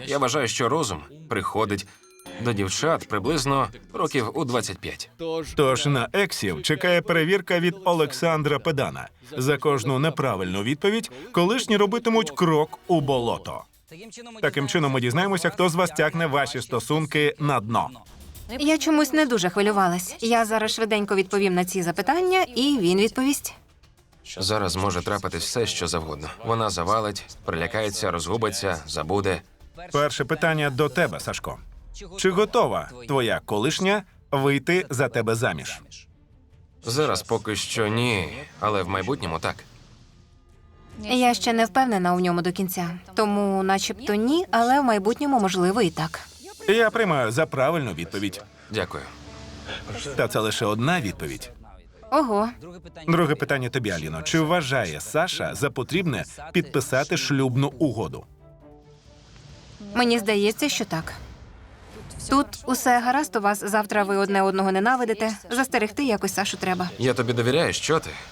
Я вважаю, що розум приходить до дівчат приблизно років у 25. Тож на ексів чекає перевірка від Олександра Педана. За кожну неправильну відповідь колишні робитимуть крок у болото. Таким чином ми дізнаємося, хто з вас тягне ваші стосунки на дно. Я чомусь не дуже хвилювалась. Я зараз швиденько відповім на ці запитання, і він відповість. Зараз може трапитись все, що завгодно. Вона завалить, прилякається, розгубиться, забуде. Перше питання до тебе, Сашко. Чи готова твоя колишня вийти за тебе заміж? Зараз поки що ні, але в майбутньому так. Я ще не впевнена у ньому до кінця. Тому начебто ні, але в майбутньому можливо і так. Я приймаю за правильну відповідь. Дякую. Та це лише одна відповідь. Ого. Друге питання тобі, Аліно. Чи вважає Саша за потрібне підписати шлюбну угоду? Мені здається, що так. Тут усе гаразд у вас, завтра ви одне одного ненавидите. Застерегти якось Сашу треба. Я тобі довіряю, що ти?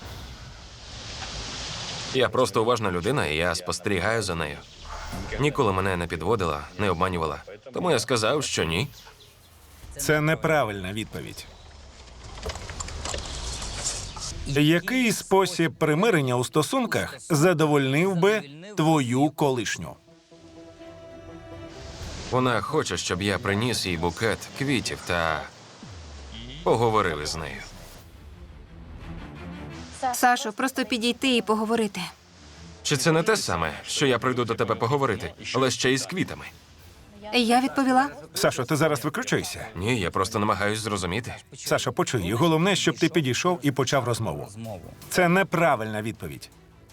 Я просто уважна людина, і я спостерігаю за нею. Ніколи мене не підводила, не обманювала. Тому я сказав, що ні. Це неправильна відповідь. Який спосіб примирення у стосунках задовольнив би твою колишню? Вона хоче, щоб я приніс їй букет квітів та поговорив із нею. Сашо, просто підійти і поговорити. Чи це не те саме, що я прийду до тебе поговорити, але ще й з квітами? Я відповіла. Сашо, ти зараз викручуєшся? Ні, я просто намагаюсь зрозуміти. Сашо, почуй, головне, щоб ти підійшов і почав розмову. Це неправильна відповідь.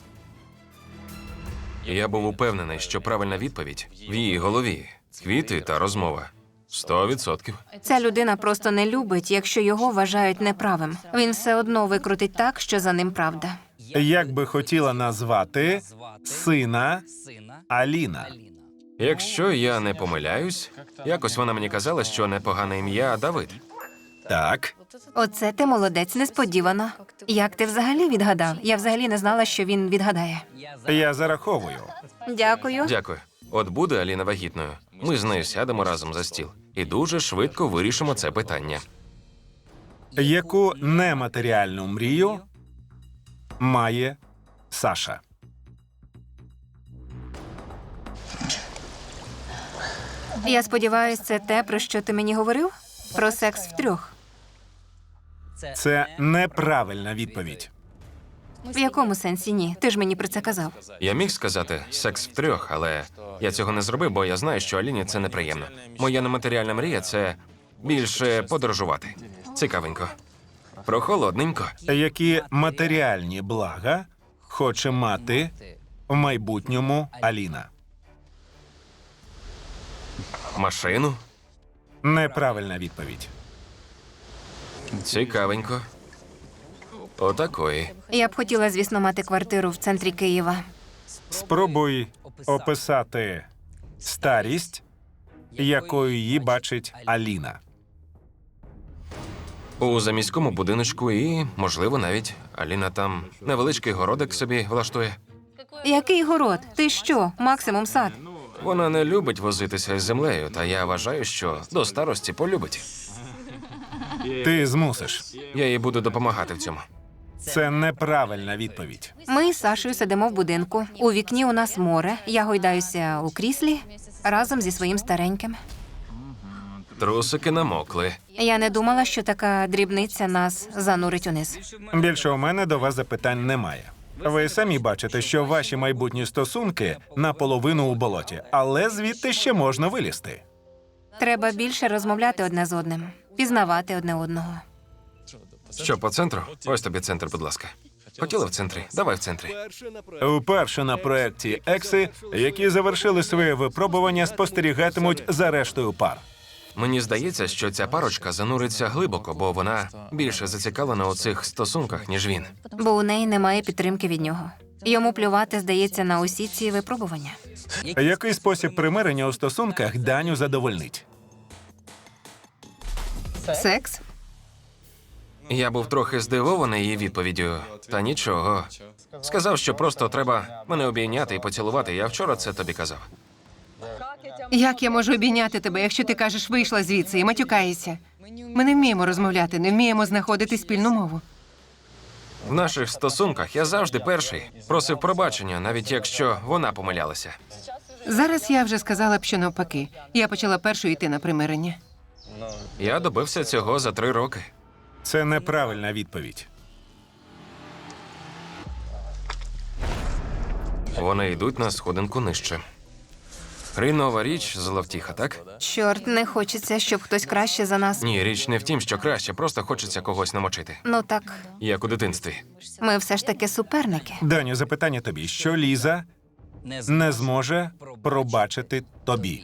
Я був упевнений, що правильна відповідь в її голові. Квіти та розмова. 100%. Ця людина просто не любить, якщо його вважають неправим. Він все одно викрутить так, що за ним правда. Як би хотіла назвати сина Аліна? Якщо я не помиляюсь, якось вона мені казала, що непогане ім'я Давид. Так. Оце ти молодець, несподівано. Як ти взагалі відгадав? Я взагалі не знала, що він відгадає. Я зараховую. Дякую. Дякую. От буде Аліна вагітною. Ми з нею сядемо разом за стіл і дуже швидко вирішимо це питання. Яку нематеріальну мрію має Саша? Я сподіваюся, це те, про що ти мені говорив? Про секс втрьох. Це неправильна відповідь. В якому сенсі ні? Ти ж мені про це казав. Я міг сказати секс втрьох, але я цього не зробив, бо я знаю, що Аліні це неприємно. Моя нематеріальна мрія – це більше подорожувати. Цікавенько. Прохолодненько. Які матеріальні блага хоче мати в майбутньому Аліна? Машину. Неправильна відповідь. Цікавенько. Отакої. Я б хотіла, звісно, мати квартиру в центрі Києва. Спробуй описати старість, якою її бачить Аліна. У заміському будиночку і, можливо, навіть Аліна там невеличкий городик собі влаштує. Який город? Ти що? Максимум сад. Вона не любить возитися із землею, та я вважаю, що до старості полюбить. Ти змусиш. Я їй буду допомагати в цьому. Це неправильна відповідь. Ми з Сашою сидимо в будинку. У вікні у нас море. Я гойдаюся у кріслі разом зі своїм стареньким. Трусики намокли. Я не думала, що така дрібниця нас занурить униз. Більше у мене до вас запитань немає. Ви самі бачите, що ваші майбутні стосунки наполовину у болоті, але звідти ще можна вилізти. Треба більше розмовляти одне з одним, пізнавати одне одного. Що, по центру? Ось тобі центр, будь ласка. Хотіла в центрі? Давай в центрі. Вперше на проєкті «Екси», які завершили своє випробування, спостерігатимуть за рештою пар. Мені здається, що ця парочка зануриться глибоко, бо вона більше зацікавлена у цих стосунках, ніж він. Бо у неї немає підтримки від нього. Йому плювати, здається, на усі ці випробування. Який спосіб примирення у стосунках Даню задовольнить? Секс? Я був трохи здивований її відповіддю. Та нічого. Сказав, що просто треба мене обійняти і поцілувати. Я вчора це тобі казав. Як я можу обійняти тебе, якщо ти кажеш, вийшла звідси і матюкаєшся? Ми не вміємо розмовляти, не вміємо знаходити спільну мову. В наших стосунках я завжди перший просив пробачення, навіть якщо вона помилялася. Зараз я вже сказала б, що навпаки. Я почала першою йти на примирення. Я добився цього за 3 роки. Це неправильна відповідь. Вони йдуть на сходинку нижче. Хрінова річ, зловтіха, так? Чорт, не хочеться, щоб хтось краще за нас. Ні, річ не в тім, що краще, просто хочеться когось намочити. Ну так, Як у дитинстві. ми все ж таки суперники. Даню, запитання тобі. Що Ліза не зможе пробачити тобі?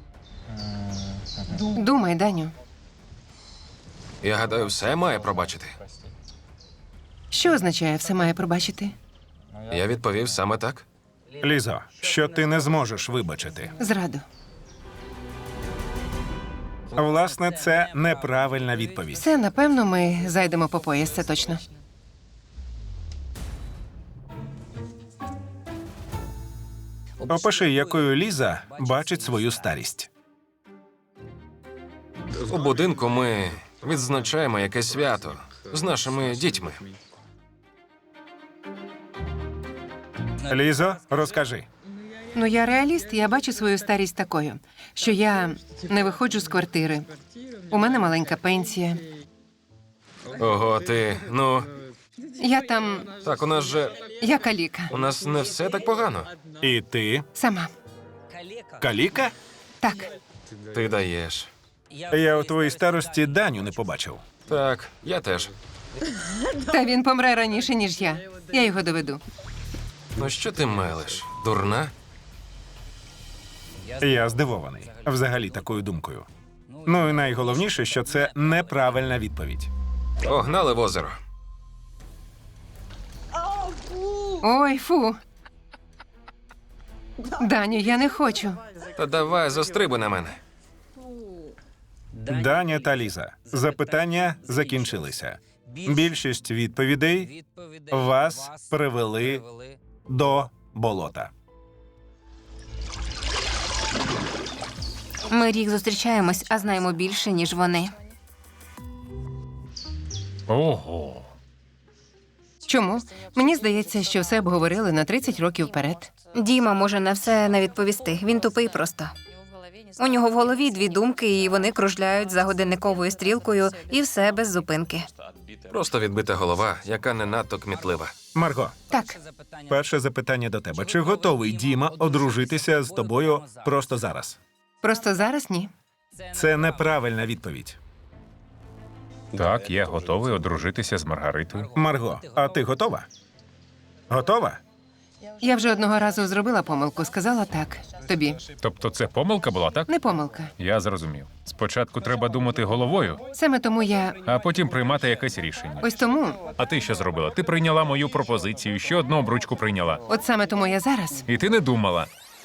Думай, Даню. Я гадаю, все має пробачити. Що означає все має пробачити? Я відповів саме так. Лізо, що ти не зможеш вибачити? Зраду. Власне, це неправильна відповідь. Все, напевно, ми зайдемо по пояс, це точно. Опиши, якою Ліза бачить свою старість. У будинку ми відзначаємо якесь свято з нашими дітьми. Лізо, розкажи. Ну, я реаліст, я бачу свою старість такою, що я не виходжу з квартири. У мене маленька пенсія. Ого, ти, ну, Я там, так, я каліка. у нас не все так погано. І ти? Сама. Каліка? Так. Ти даєш. Я у твоїй старості Даню не побачив. Так, я теж. Та він помре раніше, ніж я. Я його доведу. Ну що ти мелиш? Дурна? Я здивований. Взагалі такою думкою. Ну і найголовніше, що це неправильна відповідь. Погнали в озеро. Ой, фу. Даню, я не хочу. Та давай, застрибуй на мене. Даня та Ліза. Запитання закінчилися. Більшість відповідей вас привели до болота. Ми рік зустрічаємось, а знаємо більше, ніж вони. Ого. Чому? Мені здається, що все обговорили на 30 років вперед. Діма може на все не відповісти. Він тупий просто. У нього в голові 2 думки, і вони кружляють за годинниковою стрілкою, і все без зупинки. Просто відбита голова, яка не надто кмітлива. Марго, Так, перше запитання до тебе. Чи готовий Діма одружитися з тобою просто зараз? просто зараз ні. Це неправильна відповідь. Так, я готовий одружитися з Маргаритою. Марго, а ти готова? Готова? Я вже одного разу зробила помилку, сказала так. Тобі. Тобто це помилка була, так? Не помилка. Я зрозумів. Спочатку треба думати головою, Саме тому я. а потім приймати якесь рішення. Ось тому, А ти що зробила? Ти прийняла мою пропозицію, ще одну обручку прийняла. от саме тому я зараз. І ти не думала.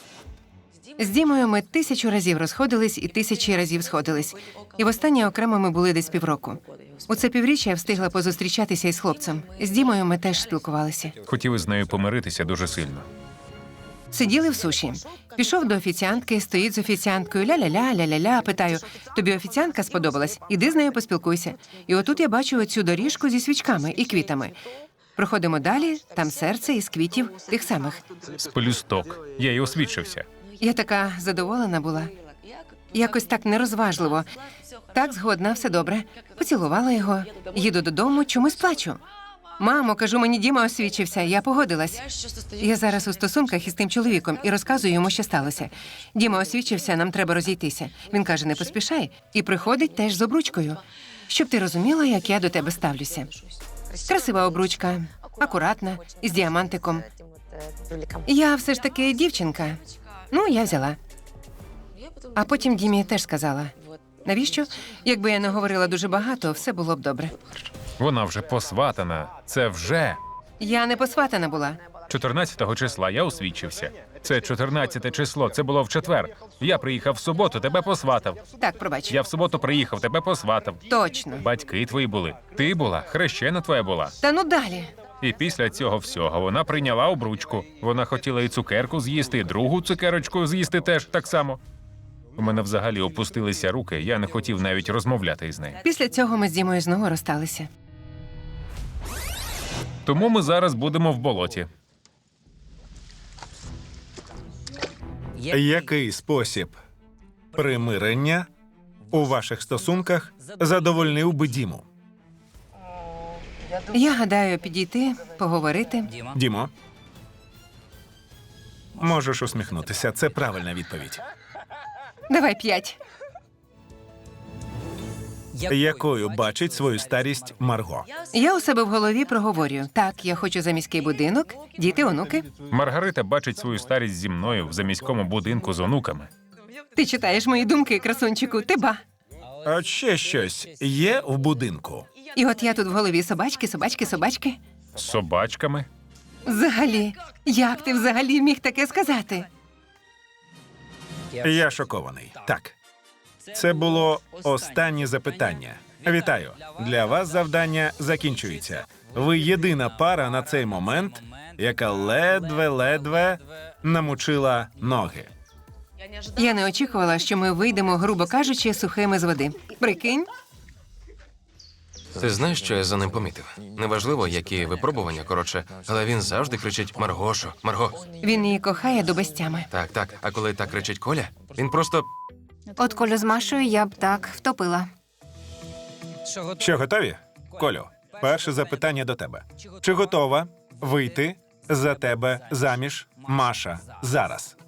З Дімою ми 1000 разів розходились і 1000 разів сходились. І востаннє окремо ми були десь півроку. У це півріччя я встигла позустрічатися із хлопцем. З Дімою ми теж спілкувалися. Хотів із нею помиритися дуже сильно. Сиділи в суші. Пішов до офіціантки, стоїть з офіціанткою, ля-ля-ля, ля-ля-ля, питаю, тобі офіціантка сподобалась? Іди з нею поспілкуйся. І отут я бачу оцю доріжку зі свічками і квітами. Проходимо далі, там серце із квітів тих самих. З пелюсток. Я й освідчився. Я така задоволена була. Якось так нерозважливо. Так, згодна, все добре. Поцілувала його. Їду додому, чомусь плачу. Мамо, кажу, мені Діма освічився, я погодилась. Я зараз у стосунках із тим чоловіком і розказую йому, що сталося. Діма освічився, нам треба розійтися. Він каже, не поспішай, і приходить теж з обручкою. Щоб ти розуміла, як я до тебе ставлюся. Красива обручка, акуратна, із діамантиком. Я все ж таки дівчинка. Ну, я взяла. А потім Дімі теж сказала. Навіщо? Якби я не говорила дуже багато, все було б добре. Вона вже посватана. Це вже. Я не посватана була. 14-го числа я освідчився. Це 14 число, це було в четвер. Я приїхав в суботу, тебе посватав. Так, пробач. Я в суботу приїхав, тебе посватав. Точно. Батьки твої були. Ти була, хрещена твоя була. Та ну далі. І після цього всього вона прийняла обручку. Вона хотіла і цукерку з'їсти, і другу цукерочку з'їсти теж так само. У мене взагалі опустилися руки, я не хотів навіть розмовляти із нею. Після цього ми з Дімою знову розсталися. Тому ми зараз будемо в болоті. Який спосіб примирення у ваших стосунках задовольнив би Діму? Я гадаю, підійти, поговорити. Дімо? Можеш усміхнутися. Це правильна відповідь. Давай 5. Якою бачить свою старість Марго? Я у себе в голові проговорюю. Так, я хочу за міський будинок, діти, онуки. Маргарита бачить свою старість зі мною в заміському будинку з онуками. Ти читаєш мої думки, красунчику, ти ба. А ще щось є в будинку? І от я тут в голові собачки, собачки, собачки. З собачками. Взагалі, як ти взагалі міг таке сказати? Я шокований. Так. Це було останнє запитання. Вітаю. Для вас завдання закінчується. Ви єдина пара на цей момент, яка ледве-ледве намочила ноги. Я не очікувала, що ми вийдемо, грубо кажучи, сухими з води. Прикинь? Ти знаєш, що я за ним помітив? Неважливо, які випробування, коротше, але він завжди кричить Маргошо, Марго. Він її кохає до безтями. Так, так. А коли так кричить Коля, він просто От Колю з Машою я б так втопила. Що, готові? Колю, перше запитання до тебе. Чи готова вийти за тебе заміж Маша зараз?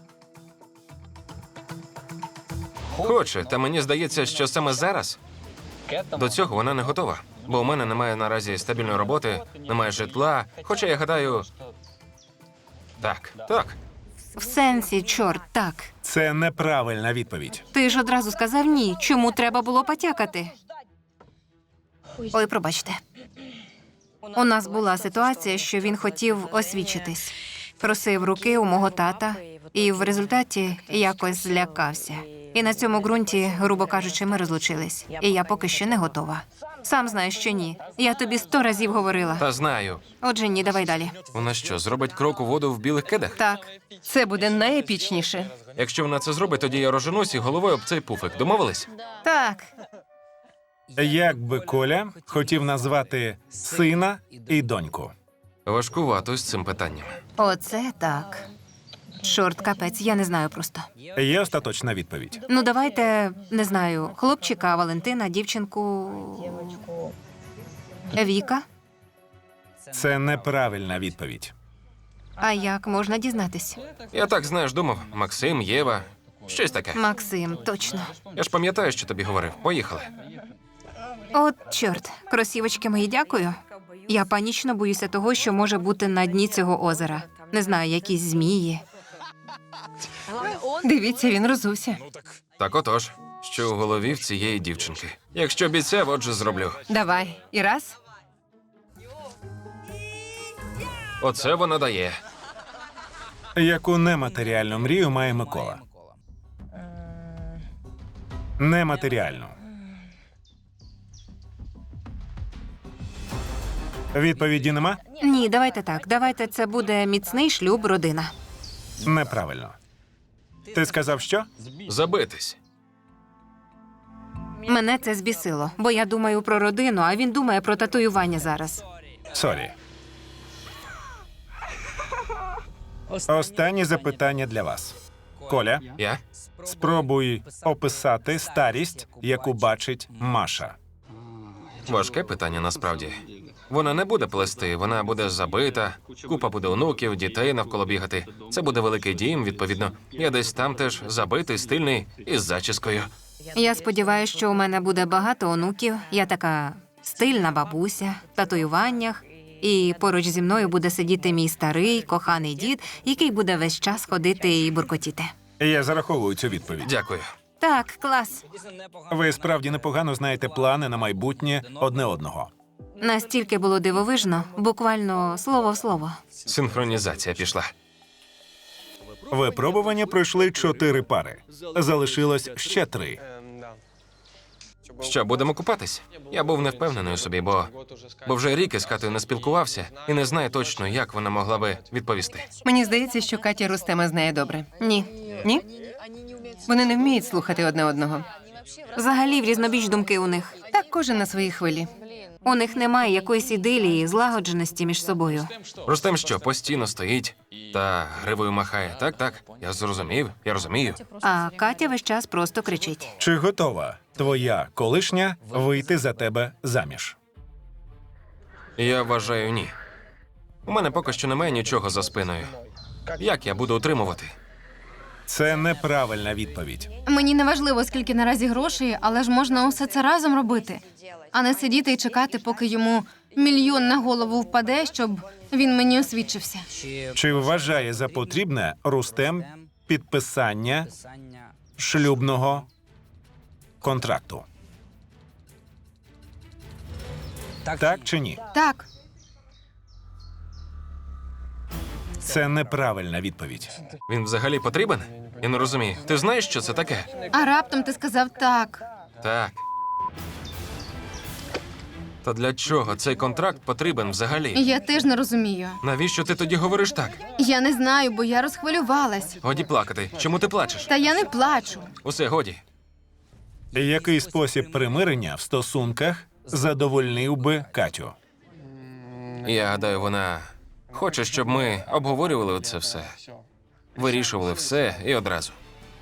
хоче, та мені здається, що саме зараз до цього вона не готова. Бо у мене немає наразі стабільної роботи, немає житла. Хоча я гадаю. Так, так. В сенсі, чорт, так. Це неправильна відповідь. Ти ж одразу сказав ні. Чому треба було потякати? Ой, пробачте. У нас була ситуація, що він хотів освічитись. Просив руки у мого тата, і в результаті якось злякався. І на цьому ґрунті, грубо кажучи, ми розлучились. І я поки що не готова. Сам знаєш, що ні. Я тобі 100 разів говорила. Та знаю. Отже, ні, давай далі. Вона що, зробить крок у воду в білих кедах? Так, Це буде найепічніше. Якщо вона це зробить, тоді я роженусь і головою об цей пуфик. Домовились? так. Як би Коля хотів назвати сина і доньку? Важкувато з цим питанням. Оце так. Чорт, капець, я не знаю просто. Є остаточна відповідь. Ну, давайте, не знаю, хлопчика, Валентина, дівчинку. Віка. Це неправильна відповідь. А як можна дізнатись? Я так, знаєш, думав. Максим, Єва, щось таке. Максим, точно. Я ж пам'ятаю, що тобі говорив. Поїхали. От, чорт, кросівочки мої, дякую. Я панічно боюся того, що може бути на дні цього озера. Не знаю, якісь змії. Дивіться, він розувся. Так отож, що у голові в цієї дівчинки. Якщо обіцяв, отже зроблю. Давай. І раз. Оце вона дає. Яку нематеріальну мрію має Микола? Нематеріальну. Відповіді нема? Ні, давайте так. Давайте це буде міцний шлюб, родина. Неправильно. Ти сказав що? Забитись. Мене це збісило, бо я думаю про родину, а він думає про татуювання зараз. Сорі. Останнє запитання для вас. Коля, Я? спробуй описати старість, яку бачить Маша. Важке питання насправді. Вона не буде плести, вона буде забита, купа буде онуків, дітей навколо бігати. Це буде великий дім, відповідно. Я десь там теж забитий, стильний і з зачіскою. Я сподіваюся, що у мене буде багато онуків. Я така стильна бабуся, в татуюваннях. І поруч зі мною буде сидіти мій старий, коханий дід, який буде весь час ходити і буркотіти. Я зараховую цю відповідь. Дякую. Так, клас. Ви справді непогано знаєте плани на майбутнє одне одного. Настільки було дивовижно, буквально слово в слово. Синхронізація пішла. Випробування пройшли 4 пари. Залишилось ще 3. Що, будемо купатись? Я був не впевнений у собі, бо вже рік із Катою не спілкувався і не знаю точно, як вона могла би відповісти. Мені здається, що Катя Рустема знає добре. Ні. Ні? Вони не вміють слухати одне одного. Взагалі в різнобіч думки у них. Так кожен на своїй хвилі. У них немає якоїсь ідилії, злагодженості між собою. Рустем що, постійно стоїть та гривою махає. Так, я зрозумів, я розумію. А Катя весь час просто кричить. Чи готова твоя колишня вийти за тебе заміж? Я вважаю, ні. У мене поки що немає нічого за спиною. Як я буду утримувати? Це неправильна відповідь. Мені не важливо, скільки наразі грошей, але ж можна усе це разом робити, а не сидіти і чекати, поки йому мільйон на голову впаде, щоб він мені освідчився. Чи вважає за потрібне Рустем підписання шлюбного контракту? Так чи ні? Так, Це неправильна відповідь. Він взагалі потрібен? Я не розумію. Ти знаєш, що це таке? а раптом ти сказав так. Так. Та для чого цей контракт потрібен взагалі? Я теж не розумію. Навіщо ти тоді говориш так? Я не знаю, бо я розхвилювалась. Годі плакати. Чому ти плачеш? Та я не плачу. Усе, годі. Який спосіб примирення в стосунках задовольнив би Катю? Я гадаю, вона хоче, щоб ми обговорювали це все. Вирішували все і одразу.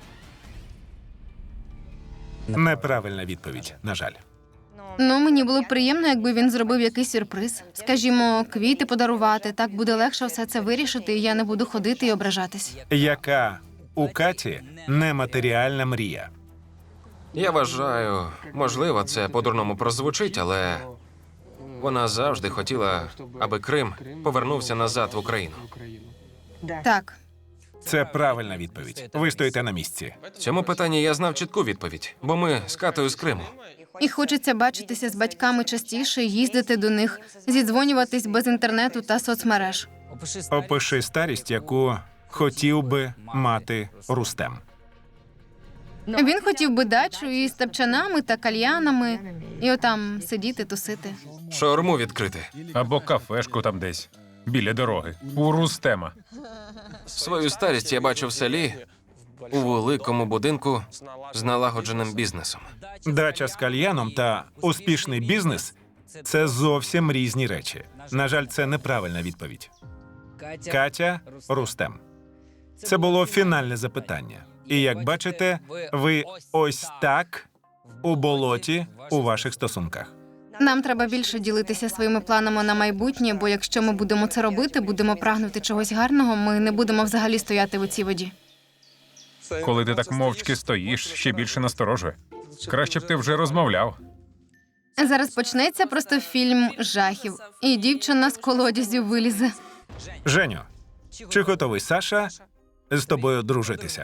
Неправильна відповідь, на жаль. Ну, мені було б приємно, якби він зробив якийсь сюрприз. Скажімо, квіти подарувати. Так буде легше все це вирішити, і я не буду ходити і ображатись. Яка у Каті нематеріальна мрія? Я вважаю, можливо, це по-дурному прозвучить, але вона завжди хотіла, аби Крим повернувся назад в Україну. Так, Це правильна відповідь. Ви стоїте на місці. В цьому питанні я знав чітку відповідь, бо ми з Катою з Криму. і хочеться бачитися з батьками частіше, їздити до них, зідзвонюватись без інтернету та соцмереж. Опиши старість, яку хотів би мати Рустем. Він хотів би дачу із тапчанами та кальянами, і отам сидіти, тусити. Шаурму відкрити. Або кафешку там десь, біля дороги, у Рустема. Свою старість я бачу в селі, у великому будинку з налагодженим бізнесом. Дача з кальяном та успішний бізнес це зовсім різні речі. На жаль, це неправильна відповідь. Катя, Рустем. Це було фінальне запитання. І як бачите, ви ось так у болоті у ваших стосунках. Нам треба більше ділитися своїми планами на майбутнє, бо якщо ми будемо це робити, будемо прагнути чогось гарного, ми не будемо взагалі стояти у цій воді. Коли ти так мовчки стоїш, ще більше насторожує. Краще б ти вже розмовляв. Зараз почнеться просто фільм жахів, і дівчина з колодязів вилізе. Женю, чи готовий Саша з тобою дружитися?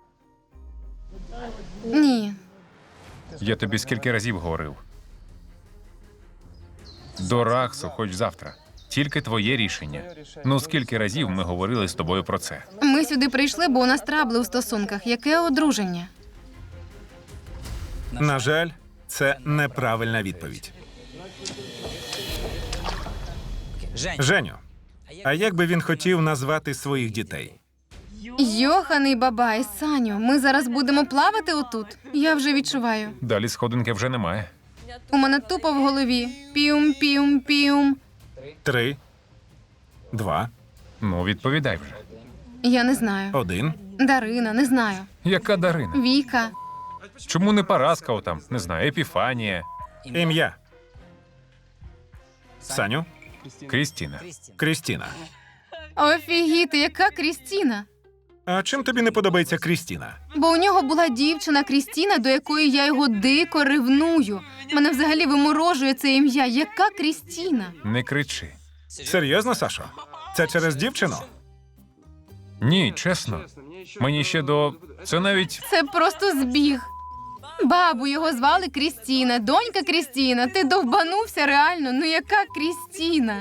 Ні. Я тобі скільки разів говорив. До Рахсу хоч завтра. Тільки твоє рішення. Ну скільки разів ми говорили з тобою про це? Ми сюди прийшли, бо у нас трабли у стосунках. Яке одруження? На жаль, це неправильна відповідь. Женю, а як би він хотів назвати своїх дітей? Йоханий бабай, Саню, ми зараз будемо плавати отут. Я вже відчуваю. Далі сходинки вже немає. У мене тупо в голові. Піум-піум-піум. 3, 2, Ну, відповідай вже. Я не знаю. 1. Дарина, не знаю. Яка Дарина? Віка. Чому не Параскав там? Не знаю, Епіфанія, Ім'я. Саню, Крістіна. Крістіна. Офігіти, яка Крістіна? А чим тобі не подобається Крістіна? Бо у нього була дівчина Крістіна, до якої я його дико ревную. Мене взагалі виморожує це ім'я. Яка Крістіна? Не кричи. Серйозно, Сашо? Це через дівчину? Ні, чесно. Мені ще до. Це навіть. Це просто збіг. Бабу його звали Крістіна, донька Крістіна. Ти довбанувся реально. Ну яка Крістіна?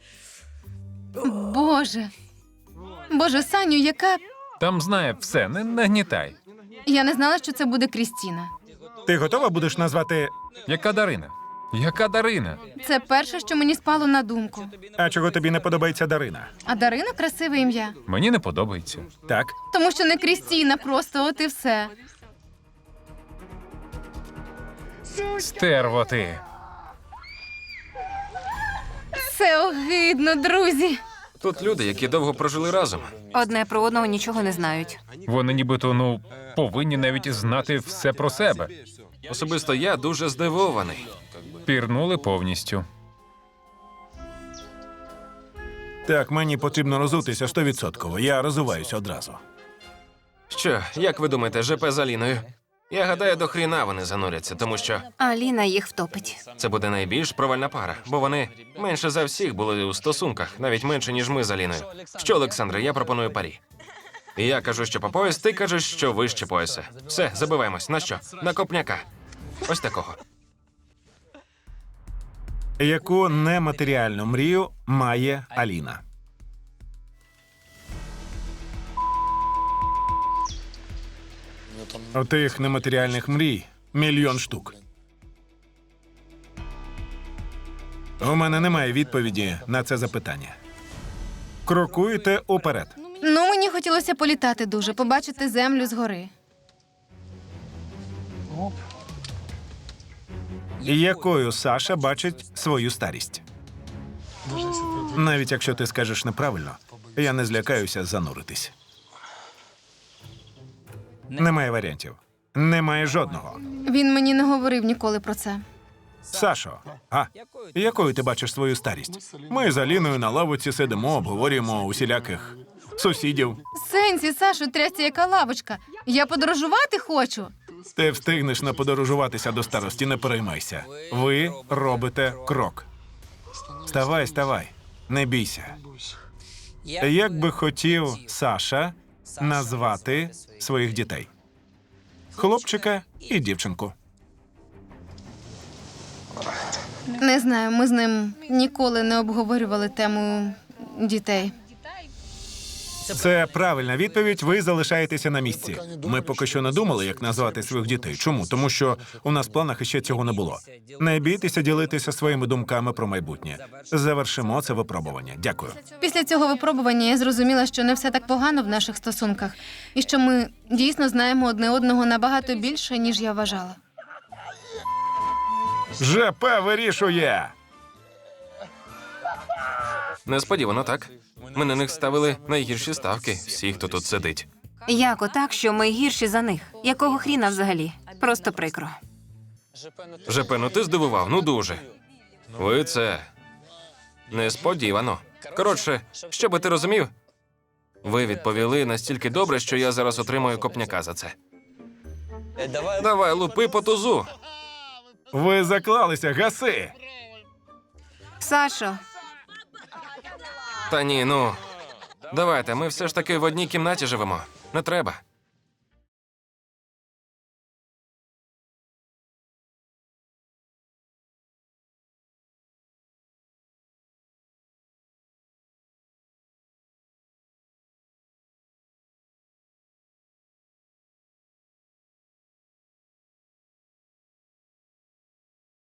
Боже. Боже, Саню, яка. Там знає все, не нагнітай. Я не знала, що це буде Крістіна. Ти готова будеш назвати. Яка Дарина? Яка Дарина? Це перше, що мені спало на думку. А чого тобі не подобається Дарина? А Дарина красиве ім'я. Мені не подобається. Так, Тому що не Крістіна, просто от і все. Стерво ти. Це огидно, друзі. Тут люди, які довго прожили разом. Одне про одного нічого не знають. Вони нібито, повинні навіть знати все про себе. Особисто я дуже здивований. Пірнули повністю. Так, мені потрібно розутися 100%. Я розуваюся одразу. Що, як ви думаєте, ЖП з Аліною? Я гадаю, до хріна вони зануряться, тому що Аліна їх втопить. це буде найбільш провальна пара, бо вони менше за всіх були у стосунках, навіть менше, ніж ми з Аліною. Що, Олександре, я пропоную парі. Я кажу, що по пояс, ти кажеш, що вище пояса. Все, забиваємось. На що? На копняка. Ось такого. Яку нематеріальну мрію має Аліна? Тих нематеріальних мрій мільйон штук. У мене немає відповіді на це запитання. Крокуйте уперед. Ну, мені хотілося політати дуже, побачити землю згори. Якою Саша бачить свою старість? Навіть якщо ти скажеш неправильно, я не злякаюся зануритись. Немає варіантів. Немає жодного. Він мені не говорив ніколи про це. Сашо, якою ти бачиш свою старість? Ми з Аліною на лавочці сидимо, обговорюємо усіляких сусідів. Сенсі, Сашу, трясся яка лавочка. Я подорожувати хочу. Ти встигнеш наподорожуватися до старості, не переймайся. Ви робите крок. Вставай, ставай, не бійся. Як би хотів Саша назвати своїх дітей? Хлопчика і дівчинку. Не знаю, ми з ним ніколи не обговорювали тему дітей. Це правильна відповідь. Ви залишаєтеся на місці. Ми поки що не думали, як назвати своїх дітей. Чому? Тому що у нас в планах іще цього не було. Не бійтеся ділитися своїми думками про майбутнє. Завершимо це випробування. Дякую. Після цього випробування я зрозуміла, що не все так погано в наших стосунках, і що ми дійсно знаємо одне одного набагато більше, ніж я вважала. ЖП вирішує. Несподівано, так? Ми на них ставили найгірші ставки. Всі, хто тут сидить. Як отак, що ми гірші за них? Якого хріна взагалі? Просто прикро. ЖП, ну ти здивував, ну дуже. Ви це несподівано. Коротше, що би ти розумів? Ви відповіли настільки добре, що я зараз отримую копняка за це. Давай, лупи по тузу. Ви заклалися, гаси. Сашо, Та ні, ну. Давайте, ми все ж таки в одній кімнаті живемо. Не треба.